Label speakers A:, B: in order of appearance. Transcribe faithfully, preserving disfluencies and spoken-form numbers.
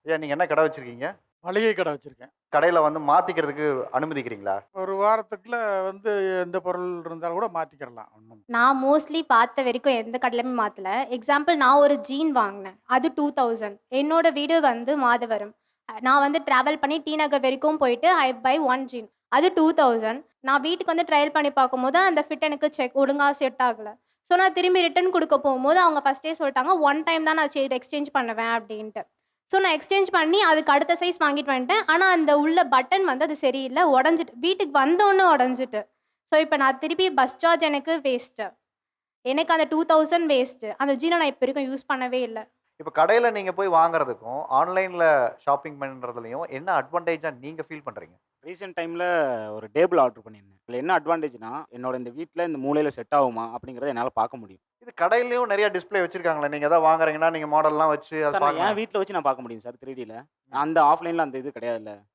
A: ஏன் நீங்க என்ன கடை வச்சிருக்கீங்க?
B: மளிகை கடை வச்சிருக்கேன்.
A: கடையில வந்து மாத்திக்கிறதுக்கு அனுமதிக்கிறீங்களா?
B: ஒரு வாரத்துக்குள்ள வந்து எந்த பொருள் இருந்தாலும் கூட மாத்திக்கிறலாம். ஒண்ணும்
C: நான் மோஸ்ட்லி பார்த்த வரைக்கும் எந்த கடையிலுமே மாத்தல. எக்ஸாம்பிள் நான் ஒரு ஜீன் வாங்குனேன். அது இரண்டாயிரம் என்னோட வீடு வந்து மாதவரம். அ நான் வந்து டிராவல் பண்ணி டி நகர் வரைக்கும் போயிட்டு ஐ பை ஒன் ஜீன். அது இரண்டாயிரம் நான் வீட்டுக்கு வந்து ட்ரையல் பண்ணி பார்க்கும்போது, அந்த ஃபிட் எனக்கு செக் ஒழுங்கா செட் ஆகல. ஸோ நான் திரும்பி ரிட்டர்ன் குடுக்க போகும்போது, அவங்க ஃபர்ஸ்ட்டே சொல்ட்டாங்க, ஒன் டைம் தான் நான் செ எக்ஸ்சேஞ்ச் பண்ணுவேன் அப்டின்ட்டு. ஸோ நான் எக்ஸ்சேஞ்ச் பண்ணி அதுக்கு அடுத்த சைஸ் வாங்கிட்டு வந்துட்டேன். ஆனா அந்த உள்ள பட்டன் வந்து அது சரியில்ல. உடைஞ்சிட்டு. வீட்டுக்கு வந்தோனே உடைஞ்சிட்டு. ஸோ இப்ப நான் திருப்பி பஸ் சார்ஜ் எனக்கு வேஸ்ட்டு. எனக்கு அந்த இரண்டாயிரம் வேஸ்ட்டு. அந்த ஜீன நான் இப்ப வரைக்கும் யூஸ் பண்ணவே இல்ல.
A: இப்ப கடையில நீங்க போய் வாங்குறதுக்கும், ஆன்லைன்ல ஷாப்பிங் பண்றதுலயும் என்ன அட்வான்டேஜா நீங்க ஃபீல் பண்றீங்க?
D: ரீசென்ட் டைமில் ஒரு டேபிள் ஆர்டர் பண்ணியிருந்தேன். இதில என்ன அட்வான்டேஜ்னா, என்னோட இந்த வீட்ல இந்த மூலையில செட் ஆகுமா? அப்படிங்கிறத என்னால பார்க்க முடியும்.
A: இது கடையிலயும் நெறைய டிஸ்ப்ளே வச்சிருக்காங்களே. நீங்க ஏதாவது வாங்குறீங்கன்னா, நீங்க மாடல்லாம் வச்சு அத
D: சார் நான்
A: பார்க்கலாம்.
D: என் வீட்ல வச்சு நான் பார்க்க முடியும் சார் த்ரீ டில. அந்த ஆஃப்லைன்ல அந்த இது கிடையாதுல்ல.